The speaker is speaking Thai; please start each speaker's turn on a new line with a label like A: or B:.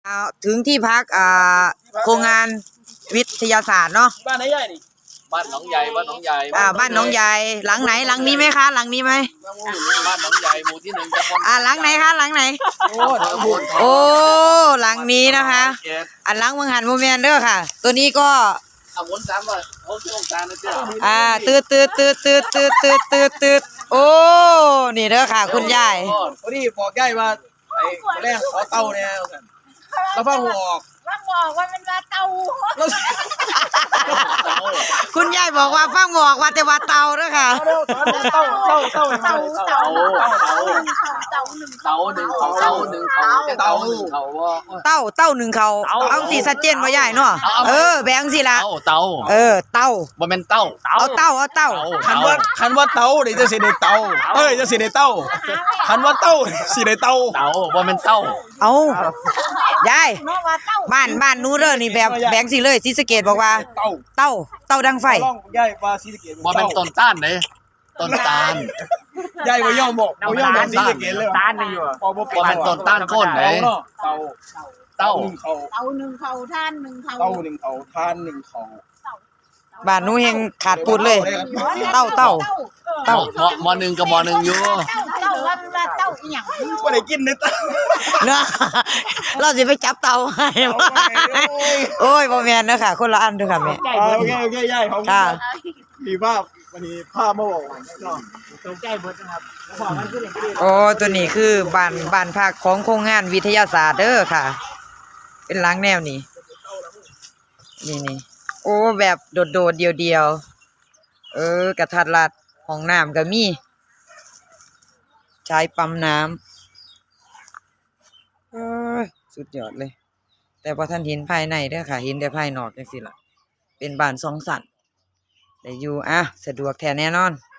A: ถึงที่พักโครงงานวิทยาศาสตร์เนาะ
B: บ้านไหนใหญ่นี่บ้านหนองใหญ่บ้านหนองใหญ่
A: บ้านหนองใหญ่หลังไหนหลังนี้ไหมคะหลังนี้ไหม
B: บ้านหนองใหญ่หมู่ที่1ตำบล
A: หลังไหนคะหลังไหนโอ้หลังนี้นะคะหลังเมืองหันโมเมนเด้อค่ะตัวนี้ก็
B: วน3ว่าเขาชื่อองศานะเจ้า
A: ตืดโอ้นี่เด้อค่ะคุณยาย
B: พอดีบอกยายว่าไอ้แรกขอเต้าเนี่ยแล้วฟังหัวออก
C: ว่ามันว่าเตา
A: คุณยายบอกว่าฟังบอกว่าแต่ว่าเตาเด้อค่ะ
B: เต้า
A: หนึ่งเขาเอาสิชัดเจนว่ายายเนาะแบงสิละ
B: เต้า
A: เต้า
B: บ่แม่นเต้า
A: เอาเต้า
B: คันว่าเต้านี่จะสิได้เต้าจะสิได้เต้าคันว่าเต้าสิได้เต้าบ่แม่นเต้า
A: เอายายบ้านนู้เด้อนี่แบบแบงสิเลยศรีสะเกษบอกว่าเต้าดังไฟ
B: ยายว่าศรีสะเกษบ่แม่นต้นต้านเด้ต้นตาลยายบ่ยอมบอกศรีสะเกษเลย
C: ต้านนี่อยู่
B: บ่แม่นต้นต้านก้นเด้เต้า
C: หนึ่งเขาท่านหนึ่งเขา
B: ท่านหนึ่งเขา
A: บ้านนู้เฮงขาดปูดเลยเต้าม
B: .1 กับม.1อยู่
C: เต้าอีหยัง
B: บ่ได้กินเด้
A: เนาะเราสิไปจับเต่าให้โอ้ยบ่แม่นเด้อค่ะคนละอันเด้อค่ะแม่
B: โอเคยายของ
A: ค่ะ
B: มีภาพวันนี้ภาพมาบอกเนาะ
C: ตรงใจเบิดนะครับ
A: ตัวนี้คือบ้านพักของโครงงานวิทยาศาสตร์เด้อค่ะเป็นหลังแนวนี้นี่โอ้แบบโดดเดียวกระทัดรัดห้องน้ำก็มีใช้ปั๊มน้ำสุดยอดเลยแต่พอท่านเห็นภายในเด้อค่ะเห็นแต่ภายนอกจังซี่ล่ะเป็นบ้าน2 ชั้นได้อยู่สะดวกแท้แน่นอน